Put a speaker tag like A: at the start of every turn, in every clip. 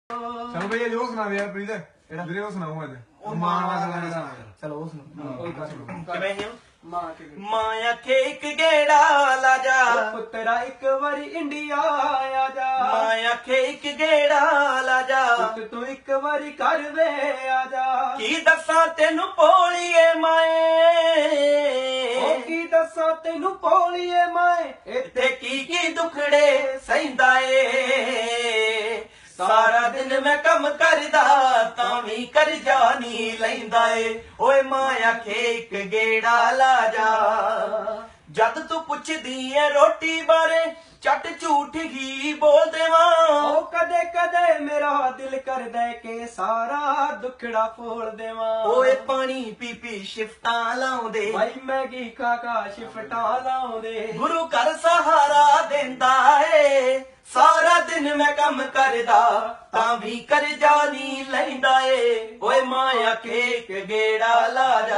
A: चलो भैया जो सुना दे यार प्रीत ਵੀਰੇ ਉਹ ਸੁਣਾਓ ਅੱਜ ਉਹ ਮਾਂ ਵਾਲਾ ਗਾਣਾ
B: ਚਲੋ ਉਹ ਸੁਣੋ
C: ਕਿਵੇਂ ਹੀ ਮਾਂ ਆਖੇ ਇੱਕ ਗੇੜਾ ਲਾ ਜਾ
B: ਪੁੱਤਰਾ ਇੱਕ ਵਾਰੀ ਇੰਡੀਆ ਆ ਜਾ
C: ਮਾਂ ਆਖੇ ਇੱਕ ਗੇੜਾ ਲਾ ਜਾ
B: ਪੁੱਤ ਤੂੰ ਇੱਕ ਵਾਰੀ ਘਰ ਵੇ ਆ ਜਾ
C: ਕੀ ਦੱਸਾਂ ਤੈਨੂੰ ਭੋਲੀਏ ਮਾਏ
B: ਉਹ ਕੀ ਦੱਸਾਂ ਤੈਨੂੰ ਭੋਲੀਏ ਮਾਏ
C: ਇੱਥੇ ਕੀ ਦੁਖੜੇ ਸਹਿੰਦਾ ਏ ਸਾਰਾ ਦਿਨ ਮੈਂ ਕੰਮ ਕਰਦਾ ਤਾਂ ਵੀ ਕਰਜ਼ਾ ਨਹੀਂ ਲੈਂਦਾ ਏ ਓਏ ਮਾਂ ਆਖੇ ਇੱਕ ਗੇੜਾ ਲਾ ਜਾ ਜਦ ਤੂੰ ਪੁੱਛਦੀ ਏ ਰੋਟੀ ਬਾਰੇ ਚੱਟ ਝੂਠ ਹੀ ਬੋਲ ਦੇਵਾਂ
B: ਉਹ ਕਦੇ ਕਦੇ ਮੇਰਾ ਦਿਲ ਕਰਦਾ ਕਿ ਸਾਰਾ ਦੁੱਖੜਾ ਫੋਲ ਦੇਵਾਂ
C: ਓਏ ਪਾਣੀ ਪੀ ਪੀ ਸ਼ਿਫਟਾਂ ਲਾਉਂਦੇ
B: ਭਾਈ ਮੈਗੀ ਖਾ ਖਾ ਸ਼ਿਫਟਾਂ ਲਾਉਂਦੇ
C: ਗੁਰੂ ਘਰ ਸਹਾਰਾ ਦਿੰਦਾ ਏ ਸਾਰਾ ਦਿਨ ਮੈਂ ਕੰਮ ਕਰਦਾ ਤਾਂ ਵੀ ਕਰਜ਼ਾ ਨਹੀਂ ਲੈਂਦਾ ਏ ਓਏ ਮਾਂ ਆਖੇ ਇੱਕ ਗੇੜਾ ਲਾ ਜਾ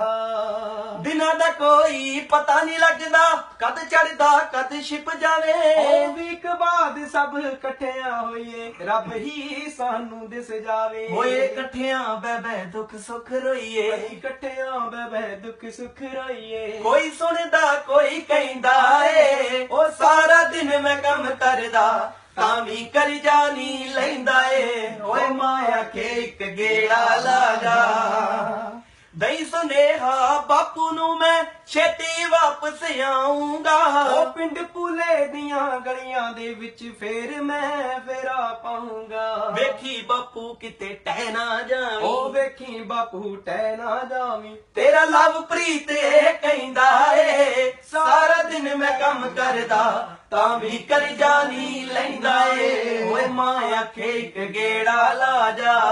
C: ਦਿਨਾਂ ਦਾ ਕੋਈ ਪਤਾ ਨਹੀਂ ਲੱਗਦਾ ਕਦ ਚੜਦਾ ਕਦ ਛਿਪ ਜਾਵੇ
B: ਉਹ ਵੀਕ ਬਾਅਦ ਸਭ ਇਕੱਠਿਆਂ ਹੋਈਏ ਰੱਬ ਹੀ ਸਾਨੂੰ ਦਿਸ ਜਾਵੇ
C: ਓਏ ਇਕੱਠਿਆਂ ਬਹਿ ਬਹਿ ਦੁੱਖ ਸੁੱਖ ਰੋਈਏ
B: ਇਕੱਠਿਆਂ ਬਹਿ ਬਹਿ ਦੁੱਖ ਸੁੱਖ ਰਹੀਏ
C: ਕੋਈ ਸੁਣਦਾ ਕੋਈ ਕਹਿੰਦਾ ਏ ਉਹ ਸਾਰਾ ਦਿਨ ਮੈਂ ਕੰਮ ਕਰਦਾ ਤਾਂ ਵੀ ਕਰਜ਼ਾ ਨਹੀਂ ਲੈਂਦਾ ਏ ਓਏ ਮਾਂ ਆਖੇ ਇੱਕ ਗੇੜਾ ਲਾ ਜਾ ਦਈ ਸੁਨੇਹਾ ਬਾਪੂ ਨੂੰ ਮੈਂ ਛੇਤੀ ਵਾਪਸ ਆਉਂਗਾ
B: ਉਹ ਪਿੰਡ ਪੁਲੇ ਦੀਆਂ ਗਲੀਆਂ ਦੇ ਵਿੱਚ ਫੇਰ ਮੈਂ ਫੇਰਾ ਪਾਉਂਗਾ
C: ਵੇਖੀ ਬਾਪੂ ਕਿਤੇ ਟਹਿ ਨਾ ਜਾਵੀਂ
B: ਉਹ ਵੇਖੀ ਬਾਪੂ ਟਹਿ ਨਾ ਜਾਵੀਂ
C: ਤੇਰਾ ਲਵ ਪ੍ਰੀਤ ਇਹ ਕਹਿੰਦਾ ਏ ਸਾਰਾ ਦਿਨ ਮੈਂ ਕੰਮ ਕਰਦਾ ਤਾਂ ਵੀ ਕਰਜ਼ਾ ਨਹੀਂ ਲੈਂਦਾ ਏ ਓਏ ਮਾਂ ਆਖੇ ਇੱਕ ਗੇੜਾ ਲਾ ਜਾ